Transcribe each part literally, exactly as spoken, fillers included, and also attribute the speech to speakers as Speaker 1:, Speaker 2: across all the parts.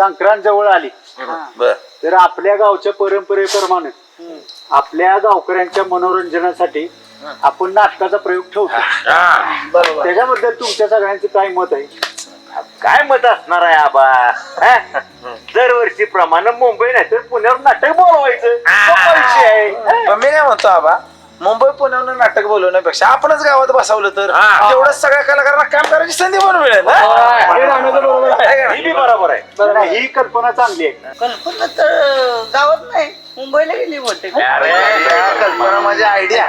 Speaker 1: संक्रांत जवळ आली तर आपल्या गावच्या परंपरेप्रमाणे आपल्या गावकऱ्यांच्या मनोरंजनासाठी आपण नाटकाचा प्रयोग ठेवतो. त्याच्याबद्दल तुमच्या सगळ्यांचं काय मत आहे?
Speaker 2: काय मत असणार आहे आबा? दरवर्षी प्रमाणे मुंबई नाही तर पुण्यावर नाटक बोलवायचं.
Speaker 3: मी काय म्हणतो आबा, मुंबई पुण्यावर नाटक बोलवण्यापेक्षा आपणच गावात बसवलं तर तेवढंच सगळ्या कलाकारांना काम करायची संधी पण मिळेल.
Speaker 2: बरोबर आहे.
Speaker 1: ही कल्पना चांगली आहे.
Speaker 4: कल्पना तर गावात नाही, मुंबईला गेली वाटते.
Speaker 3: कल्पना माझी आयडिया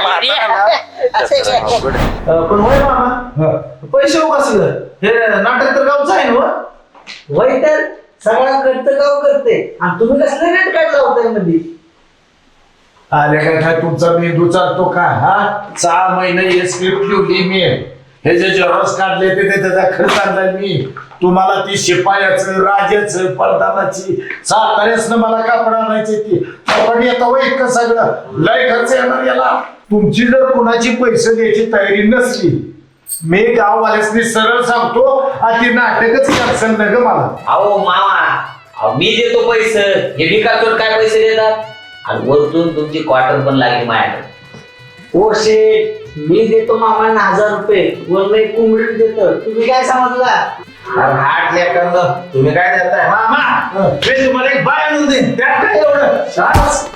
Speaker 5: पण होय मामा, पैसे कसं हे नाटक तर गावचं आहे ना?
Speaker 4: वय तर सगळा करतं गाव करते आणि तुम्ही कसलं रेट काढला होता मध्ये?
Speaker 5: आले काय काय तुमचा मेंदू चालतो का? हा सहा महिने हे स्क्रिप्ट लिहिली मी, हे जे जरस काढले ते त्याचा खर्च आणलाय मी. तुम्हाला ती शिपायाचं राजाचं परदानाची साताऱ्यासनं मला कापड आणायची ती कापड येतं वय इतकं सगळं लय खर्च येणार याला. तुमची जर कुणाची पैसे द्यायची तयारी नसली, मी गाववाल्यासनी सरळ सांगतो ती नाटकच कॅन्सल न ग मला.
Speaker 6: अहो मामा, मी देतो पैसे, हे विकासवर काय पैसे देतात आणि वरतून तुमची क्वार्टर पण लागली माझ्याकडे.
Speaker 4: ओ शेठ, मी देतो मामांना हजार रुपये, वरनं एक कोंबडी देतो. तुम्ही काय समजला?
Speaker 5: हाट लेकरं, तुम्ही काय देताय? मामा मी तुम्हाला एक बाय आणून देईन, त्यात काय एवढं? शाबास.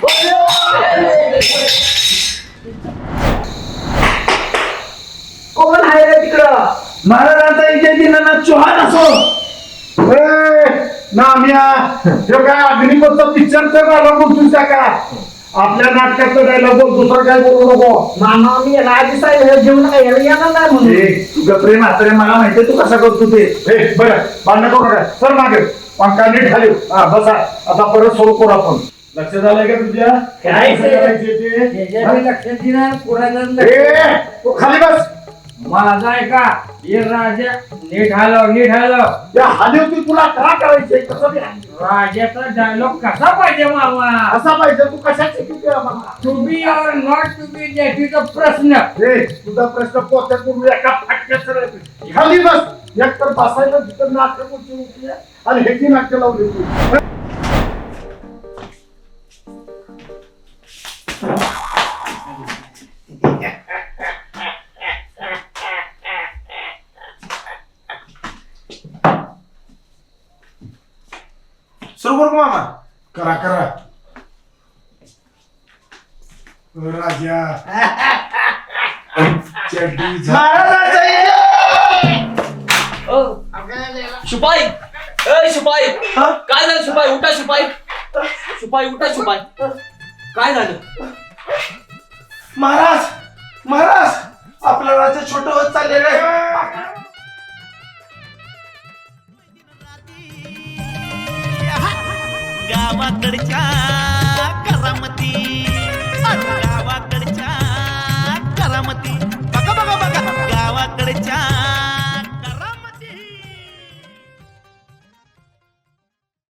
Speaker 4: कोण आहे रे तिकडं?
Speaker 5: महाराजांचा इथे दिनानाथ चौहान असो नाम्या, हे काय अग्निपथचा पिक्चरचा डायलॉग बोलतोस का? आपल्या नाटकाचा डायलॉग बोल, दुसरं काय बोलू नको.
Speaker 4: मामा मी याला आधी साहेब घेऊन याला येणार नाही म्हणून.
Speaker 5: तुझं प्रेम आता मला माहितीये तू कसा करतो ते. बरं भांडण करू नका, सर मागे पंखा नीट खाली. हा बसा, आता परत सुरू करू आपण. लक्ष झालंय का तुझ्या?
Speaker 4: काय
Speaker 5: लक्षात येणार तू खाली बस.
Speaker 7: माझा आहे का ये राजा, नीट हलव नीट हलव.
Speaker 5: त्या हालीवती तुला काय करायचंय? कसं
Speaker 7: राजाचा डायलॉग कसा पाहिजे मामा?
Speaker 5: कसा पाहिजे? तू कशाची किती आम्हाला?
Speaker 7: To be or not to be that is a प्रश्न.
Speaker 5: तुझा प्रश्न पोहोचत पूर्वी एका फाटक्यात खाली बस. एक तर बसायला तिथं नाटक उचलून आणि ह्याची नाट्य लावली तू. सुरू करू मामा? करा करा राजा.
Speaker 6: शिपाई, ए शिपाई, काय झालं शिपाई? उठा शिपाई, शिपाई उठा शिपाई, काय झालं?
Speaker 5: महाराज महाराज आपलं राज्य छोटं होत चाललेलं आहे.
Speaker 8: गावाकडच्या